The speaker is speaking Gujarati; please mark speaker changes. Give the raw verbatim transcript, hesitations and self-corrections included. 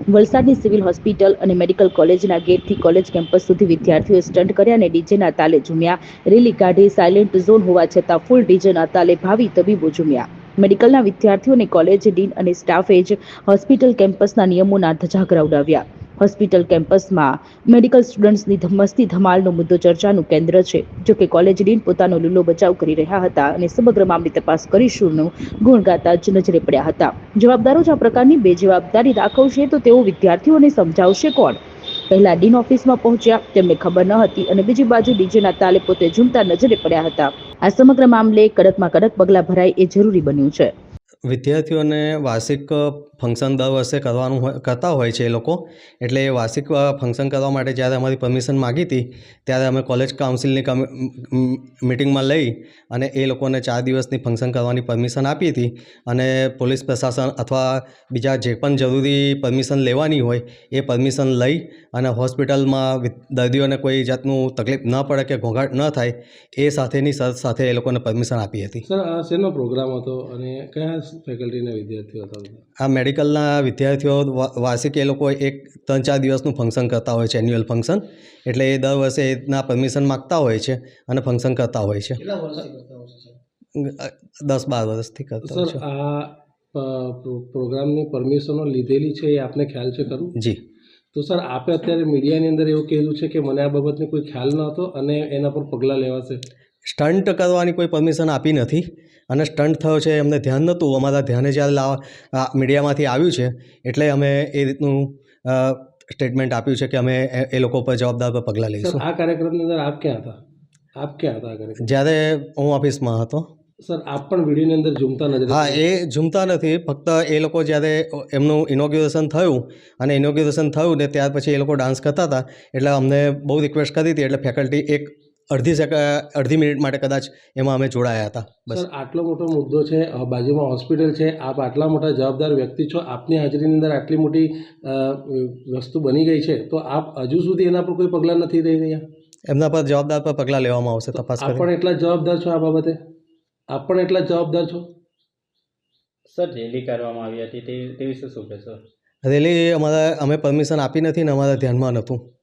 Speaker 1: વલસાડની સિવિલ હોસ્પિટલ અને મેડિકલ કોલેજના ગેટથી કોલેજ કેમ્પસ સુધી વિદ્યાર્થીઓએ સ્ટન્ટ કર્યા અને ડીજેના તાલે ઝૂમ્યા. રેલી કાઢી. સાયલેન્ટ ઝોન હોવા છતાં ફૂલ ડીજેના તાલે ભાવિ તબીબો ઝૂમ્યા. મેડિકલના વિદ્યાર્થીઓને કોલેજ ડીન અને સ્ટાફે જ હોસ્પિટલ કેમ્પસના નિયમોના ધજાગરા ઉડાવ્યા. હોસ્પિટલ કેમ્પસમાં મેડિકલ સ્ટુડન્ટ્સની મસ્તી ધમાલનો મુદ્દો ચર્ચાનું કેન્દ્ર છે. જોકે કોલેજ ડીન પોતાનો લીલો બચાવ કરી રહ્યા હતા અને સમગ્ર મામલે તપાસ કરીશુંનું ગુણ ગાતા જ નજરે પડ્યા હતા. જવાબદારો જ આ પ્રકારની બેજવાબદારી દાખવશે તો તેઓ વિદ્યાર્થીઓને સમજાવશે કોણ? પહેલા ડીન ઓફિસમાં પહોંચ્યા, તેમને ખબર ન હતી અને બીજી બાજુ ડીજેના તાલે પોતે ઝૂમતા નજરે પડ્યા હતા. આ સમગ્ર મામલે કડકમાં કડક પગલાં ભરાય એ જરૂરી બન્યું છે.
Speaker 2: વિદ્યાર્થીઓને વાર્ષિક ફંક્શન દર વર્ષે કરવાનું હોય કરતા હોય છે એ લોકો. એટલે એ વાર્ષિક ફંક્શન કરવા માટે જ્યારે અમારી પરમિશન માગી હતી ત્યારે અમે કોલેજ કાઉન્સિલની મિટિંગમાં લઈ અને એ લોકોને ચાર દિવસની ફંક્શન કરવાની પરમિશન આપી હતી. અને પોલીસ પ્રશાસન અથવા બીજા જે પણ જરૂરી પરમિશન લેવાની હોય એ પરમિશન લઈ અને હોસ્પિટલમાં દર્દીઓને કોઈ જાતનું તકલીફ ન પડે કે ઘોંઘાટ ન થાય એ સાથેની શરત સાથે એ લોકોને પરમિશન આપી હતી.
Speaker 3: સર, આ શેનો પ્રોગ્રામ હતો અને કયા ફેકલ્ટીના વિદ્યાર્થીઓ હતા?
Speaker 2: આ મેડિકલના વિદ્યાર્થીઓ વાર્ષિક એ લોકો એક ત્રણ ચાર દિવસનું ફંક્શન કરતા હોય છે, એન્યુઅલ ફંક્શન. એટલે એ દર વર્ષે એના પરમિશન માગતા હોય છે અને ફંક્શન કરતા હોય છે. દસ બાર વર્ષથી કરતા હોય છે.
Speaker 3: સર, આ પ્રોગ્રામની પરમિશનો લીધેલી છે એ આપને ખ્યાલ છે ખરું?
Speaker 2: જી.
Speaker 3: તો સર, આપે અત્યારે મીડિયાની અંદર એવું કહેલું છે કે મને આ બાબતને કોઈ ખ્યાલ ન હતો અને એના પર પગલાં લેવાશે.
Speaker 2: સ્ટન્ટ કરવાની કોઈ પરમિશન આપી નથી અને સ્ટન્ટ થયો છે એમને ધ્યાન નહોતું. અમારા ધ્યાને જ્યારે લાવવા મીડિયામાંથી આવ્યું છે એટલે અમે એ રીતનું સ્ટેટમેન્ટ આપ્યું છે કે અમે એ લોકો પર જવાબદાર પર પગલાં લઈશું.
Speaker 3: આ કાર્યક્રમની અંદર આપ ક્યાં હતા? આપ ક્યાં હતા આ કાર્યક્રમ?
Speaker 2: જ્યારે હું ઓફિસમાં હતો.
Speaker 3: સર, આપ પણ વિડીયોની અંદર ઝૂમતા નજરે?
Speaker 2: હા, એ ઝૂમતા નથી. ફક્ત એ લોકો જ્યારે એમનું ઇનોગ્યુરેશન થયું અને ઇનોગ્યુરેશન થયું ને ત્યાર પછી એ લોકો ડાન્સ કરતા હતા એટલે અમને બહુ રિક્વેસ્ટ કરી હતી એટલે ફેકલ્ટી એક અડધી સેક અડધી મિનિટ માટે કદાચ એમાં અમે જોડાયા હતા. બસ.
Speaker 3: સર, આટલો મોટો મુદ્દો છે, બાજુમાં હોસ્પિટલ છે, આપ આટલા મોટા જવાબદાર વ્યક્તિ છો, આપની હાજરીની અંદર આટલી મોટી વસ્તુ બની ગઈ છે તો આપ હજુ સુધી એના પર કોઈ પગલાં નથી લઈ રહ્યા?
Speaker 2: એમના પર જવાબદાર પર પગલાં લેવામાં આવશે. તપાસ
Speaker 3: આપ પણ એટલા જવાબદાર છો આ બાબતે? આપ પણ એટલા જવાબદાર છો?
Speaker 4: સર, રેલી કરવામાં આવી હતી તે તે વિશે શું કહેશો?
Speaker 2: રેલી અમારા અમે પરમિશન આપી નથી ને અમારા ધ્યાનમાં નહોતું.